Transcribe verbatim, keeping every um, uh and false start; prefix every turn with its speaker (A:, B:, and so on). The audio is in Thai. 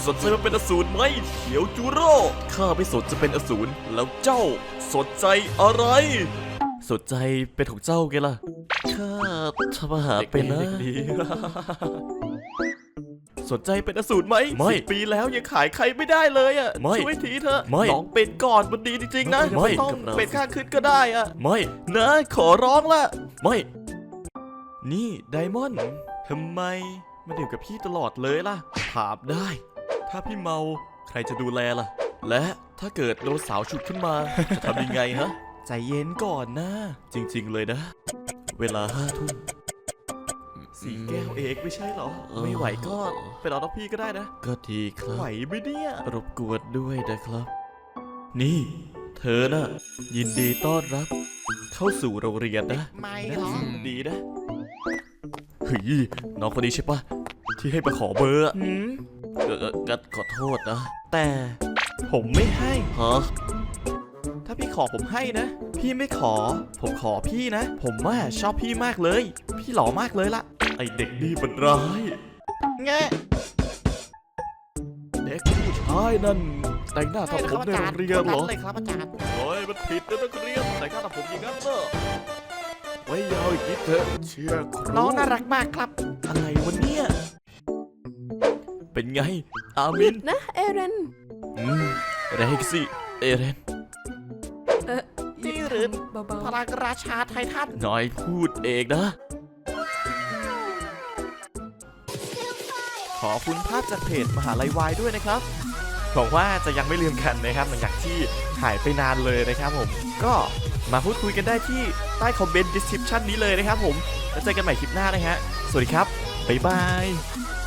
A: สนใจมาเป็นอสูรไหมเขียวจูโร่ข้าไม่สนจะเป็นอสูรแล้วเจ้าสนใจอะไรสนใจเป็นของเจ้าไงล่ะข้าทำอาหารเป็นนะสนใจเป็นอสูรไหมไม่ปีแล้วยังขายใครไม่ได้เลยอ่ะช่วยทีเถอะลองเป็นก่อนมันดีจริงๆนะไม่ต้องเป็นข้างขึ้นก็ได้อ่ะไม่นะขอร้องละไม่นี่ไดมอนด์ทำไมมาดื่มกับพี่ตลอดเลยล่ะถามได้ถ้าพี่เมาใครจะดูแลล่ะและถ้าเกิดโดนสาวฉุดขึ้นมาจะทำยังไงฮะใจเย็นก่อนนะจริงๆเลยนะเวลาห้าทุ่มสี่แก้วเอกไม่ใช่เหรอไม่ไหวก็ไปรอน้องพี่ก็ได้นะก็ดีครับไหวไหมเนี่ยรบกวนด้วยนะครับนี่เธอน่ะยินดีต้อนรับเข้าสู่โรงเรียนนะไม่หรอดีนะเฮ้ยน้องคนนี้ใช่ปะที่ให้มาขอเบอร์อืมเออกัดขอโทษนะแต่ผมไม่ให้ฮะถ้าพี่ขอผมให้นะพี่ไม่ขอผมขอพี่นะผมว่าชอบพี่มากเลยพี่หล่อมากเลยล่ะไอเด็กนี่มันร้ายแงเด็กผู้ชายนั่นแต่งหน้าทำผมในโรงเรียนเหรอเลยครับอาจารย์โอ้ยมันผิดนะนักเรียนแต่งหน้าทำผมอย่างนั้นเหรอไว้ยาวอีกนิดเถอะเชื่อครูน้องน่ารักมากครับอะไรวะเนี่ยเป็นไงอามิน
B: นะเอเรน
A: อืมแรงสิเอเรน
B: เออ
C: นี่หรือพลังราชาไททัน
A: น้อยพูดเองนะขอบคุณภาพจากเพจมหาลัยวายด้วยนะครับหวังว่าจะยังไม่ลืมกันนะครับหลังจากที่หายไปนานเลยนะครับผมก็มาพูดคุยกันได้ที่ใต้คอมเมนต์ description นี้เลยนะครับผมแล้วเจอกันใหม่คลิปหน้านะฮะสวัสดีครับบ๊ายบาย